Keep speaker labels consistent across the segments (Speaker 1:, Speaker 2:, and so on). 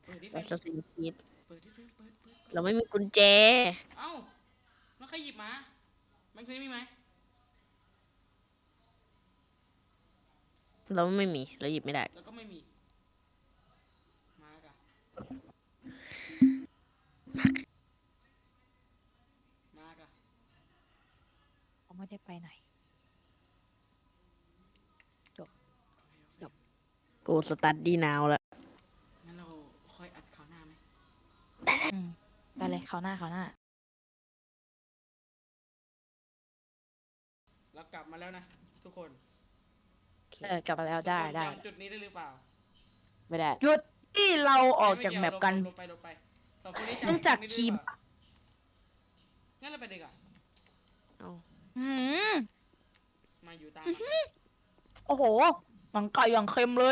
Speaker 1: เปิดดิเฟ
Speaker 2: เรา
Speaker 1: ม
Speaker 2: จะสิงคิด
Speaker 1: เปิดดิเฟมเปิด
Speaker 2: เราไม่มีกุญแจ
Speaker 1: เอ้าแล้วใครหยิบมาแม็กซ์มีไหม
Speaker 2: เราไม่มีเราหยิบไม่ได้
Speaker 1: แล้วก็ไม่มีมากะมากะ
Speaker 3: เขาไม่ได้ไปไหนจบ
Speaker 1: โอเค
Speaker 2: กูสตาร์ทดีนาวแล้ว
Speaker 1: งั้นเราค่อยอัดคราวหน้าไหม
Speaker 3: ไปเลยเขาวหน้าเขาวหน้า
Speaker 1: เรากลับมาแล้วนะทุกคน
Speaker 3: กลับมาแล้วได้
Speaker 1: ทุกคน
Speaker 3: ได้
Speaker 1: จำจุดนี้ได้หรือเปล่า
Speaker 4: ไม่ได้
Speaker 3: หยุดที่เราออกจากแมปกัน
Speaker 1: ลงไปสองคนนี้จำ
Speaker 3: เนื่องจาก
Speaker 1: จุด
Speaker 3: คี
Speaker 1: นี้
Speaker 3: ย์
Speaker 1: ได้หรือเปล่างั้นเราไปดีกว่า
Speaker 2: เอา
Speaker 3: อืม
Speaker 1: มาอยู่ตาม
Speaker 3: โอ้โหหนังไก่อย่างเค็มเลย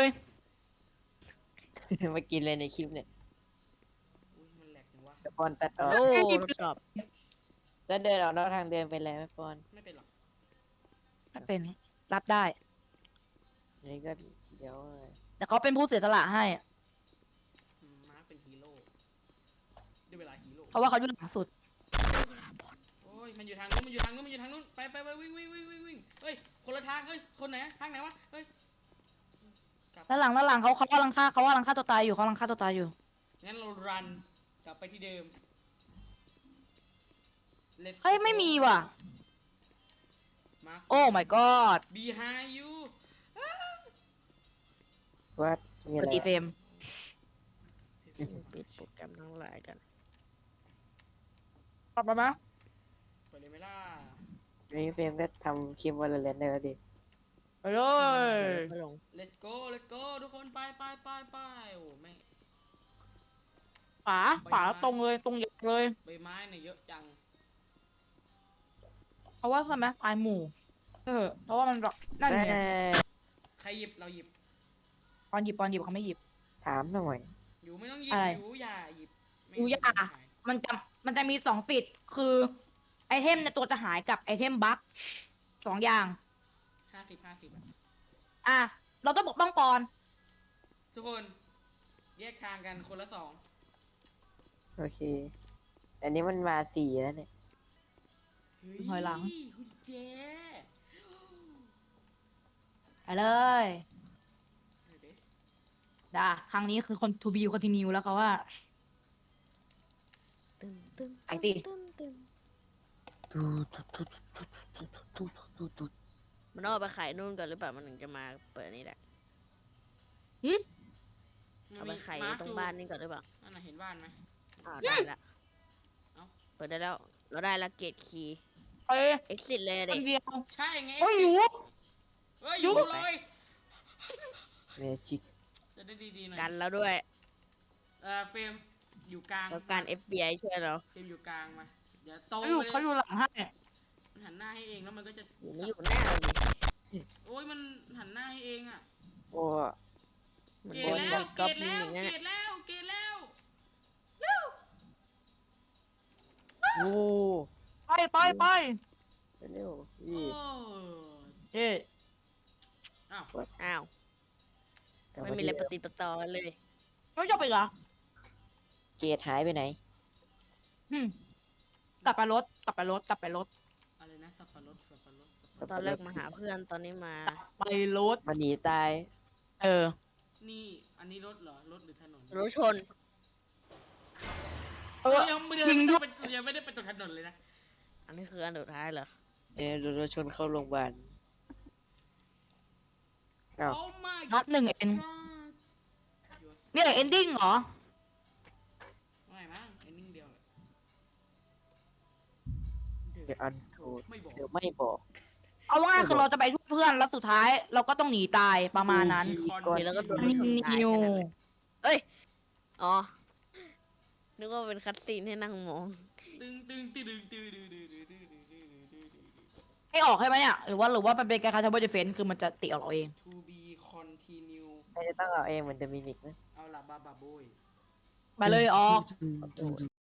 Speaker 4: มากินเลยในคลิปเนี่ย
Speaker 1: อุ้ยมันแหลกจังวะ
Speaker 4: แต่ปอนตัดออก
Speaker 2: โอ้ทดสอบ
Speaker 4: แล้วเดินออกนอกทางเดินไปแล้วไหมปอน
Speaker 1: ไม่เป็นหรอก
Speaker 3: ไม่เป็นรับได้
Speaker 4: นี่ก็เดี๋ยว
Speaker 3: แต่เขาเป็นผู้เสียสละให้
Speaker 1: มาร์คเป็นฮีโร่ได้เวลาฮีโร่
Speaker 3: เพราะว่าเขาอยู่หลังสุด
Speaker 1: โอ้ยมันอยู่ทางนู้นมันอยู่ทางนู้นมันอยู่ทางนู้นไปวิ่งเฮ้ยคนละทางเฮ้ยคนไหนทางไหนวะเฮ้ยกลับ
Speaker 3: ด้านหลังเขากำลังฆ่าตัวตายอยู่เขากำลังฆ่าตัวตายอยู่
Speaker 1: งั้นเรารันกลับไปที่เดิม Let's
Speaker 3: เฮ้ย ไม่มีว่ะ
Speaker 1: Mark
Speaker 3: โอ้ my god
Speaker 1: behind you
Speaker 4: ว่ามี
Speaker 3: ป
Speaker 4: อะไร
Speaker 3: ฏิเฟรม
Speaker 2: ปิดโปรแกรมทั้งหลายกัน
Speaker 3: กลับมาไหม
Speaker 1: ไปเลยไหมล่ะ
Speaker 4: มีเฟรมก็ทำคลิปวันละเลนได้แล้วดิ
Speaker 3: ไปเลย
Speaker 2: ไม่ลง
Speaker 1: Let's go ทุกคนไปโอ้ไม่
Speaker 3: ฝาตรงเลยตรงเยอะเลย
Speaker 1: ใบไม้เนี่ยเยอะจัง
Speaker 3: เพราะว่าทำไมตายหมู่เพราะว่ามันแบบนั่นไง
Speaker 1: ใครหยิบเราหยิบ
Speaker 3: ปอนหยิบเขาไม่หยิบ
Speaker 4: ถามหน่อย
Speaker 1: อยู่ไม่ต้องหยิบ
Speaker 3: อะไร
Speaker 1: อยู่อย่าหยิบไม่
Speaker 3: อยู่อย่า
Speaker 1: หาย
Speaker 3: มันจะมี2 สิทธิ์คือไอเทมในตัวจะหายกับไอเทมบั๊ก2 อย่าง
Speaker 1: 50อะ
Speaker 3: อ่ะ เราต้องปกป้องปอน
Speaker 1: ทุกคนแยกทางกันคนละ2
Speaker 4: โอเค อันนี้มันมา4แล้วเนี่ย
Speaker 3: ถอยหลัง
Speaker 1: คุณเจ
Speaker 3: ไปเลย
Speaker 1: เดี๋ยวดิ
Speaker 3: ทางนี้คือคน to be continue แล้วเขาว่า
Speaker 2: ตึ้มตึ้ม
Speaker 3: ไปสิ
Speaker 2: มันต้องเอาไปขายนู่นก่อนหรือเปล่ามันถึงจะมาเปิดนี่แหละเอาไปขายตรงบ้านนี่ก่อนหรือเปล่า
Speaker 1: นั่นน่ะเห็นบ้านไหม
Speaker 2: ได้ละ
Speaker 1: เอ้า
Speaker 2: เปิดได้แล้วเราได้ละเกตคีย์
Speaker 3: ไป
Speaker 2: exit เลย
Speaker 3: ค
Speaker 2: เด็ก
Speaker 3: นเดียว
Speaker 1: ใช่ไง
Speaker 3: โอ้ยอยู่
Speaker 1: เฮ้ยอยู่เลย
Speaker 4: เมจิก
Speaker 1: จะได้ดีๆหน่อย
Speaker 2: กันแล้วด้วย
Speaker 1: เฟรมอยู่กลาง
Speaker 2: แล้วการ FBI ช่วยเรา
Speaker 1: เฟรมอยู่กลางมาเดี๋ยวโต
Speaker 3: เขาอยู่
Speaker 1: ไปเลย
Speaker 3: หลังให้
Speaker 1: มันหันหน้าให้เองแล้วมันก็จะ
Speaker 2: อยู่ไม่อยู่หน้าเราดิ
Speaker 1: โอ้ยมันหันหน้าให้เองอ่ะ
Speaker 4: โอ้
Speaker 2: เหมือน
Speaker 1: เก
Speaker 2: โด
Speaker 1: ต
Speaker 2: น
Speaker 1: แล้ว
Speaker 2: ก๊อป
Speaker 1: เก
Speaker 2: ปี้
Speaker 1: ต
Speaker 2: อย่างเงี้ย
Speaker 1: แล้ว
Speaker 4: โห
Speaker 3: ไป
Speaker 4: เร็ว
Speaker 1: โอ้
Speaker 3: เฮ้
Speaker 1: อ้าว
Speaker 2: อ้าว
Speaker 4: กลับ
Speaker 2: ไม่
Speaker 4: มา
Speaker 2: มี
Speaker 4: ที่
Speaker 2: อะไรปฏิปต่อเลย
Speaker 3: ไม่ชอบไปเหรอ
Speaker 4: เกตหายไปไหน
Speaker 3: กลับไปรถ
Speaker 1: อะไรนะสับปะรด
Speaker 2: ตอนแรกมาหาเพื่อนตอนนี้มา
Speaker 3: ไปรถ
Speaker 4: มันหนีตาย
Speaker 1: นี่อันนี้รถเหรอรถหรือถนน
Speaker 2: รถชน
Speaker 1: ยังไม่ได้
Speaker 3: จริงด้วย
Speaker 1: ยังไม่ได้ไปตกถนนเลยนะ
Speaker 2: อันนี้คืออันสุดท้ายเหรอ
Speaker 4: รถชนเข้าโรงพยาบาล อ้าว
Speaker 1: โอ้ my
Speaker 3: นัด1 เอ็น
Speaker 1: god
Speaker 3: นี่เอนดิ้งเหรอ
Speaker 1: ไม่มั้งไอ้นิ่งเดียว
Speaker 4: เดี๋ยวอันโทษ
Speaker 1: ไม่บอก
Speaker 4: เดี๋ยวไม่บอก
Speaker 3: เอาว่าคือเราจะไปช่วยเพื่อนแล้วสุดท้าย เราก็ต้องหนีตายประมาณนั้น
Speaker 4: ก่อน
Speaker 2: แล้วก็โดน
Speaker 3: นิ
Speaker 2: ชนตาย
Speaker 3: ว
Speaker 2: แค่นั้นแหละเอ้ย อ๋อ นึกว่าเป็นคัตซีนให้นั่งมอง
Speaker 3: ให้ออกให้ไหมเนี่ย หรือว่ามันเป็นการคาร์บอนเดฟเฟนคือมันจะติออกเราเอง
Speaker 1: to be continue
Speaker 4: ไม่ได้ต้องเอาเองเหมือนเดมินิกนะ
Speaker 1: เอาละบาบาโบย
Speaker 3: ไปเลยออก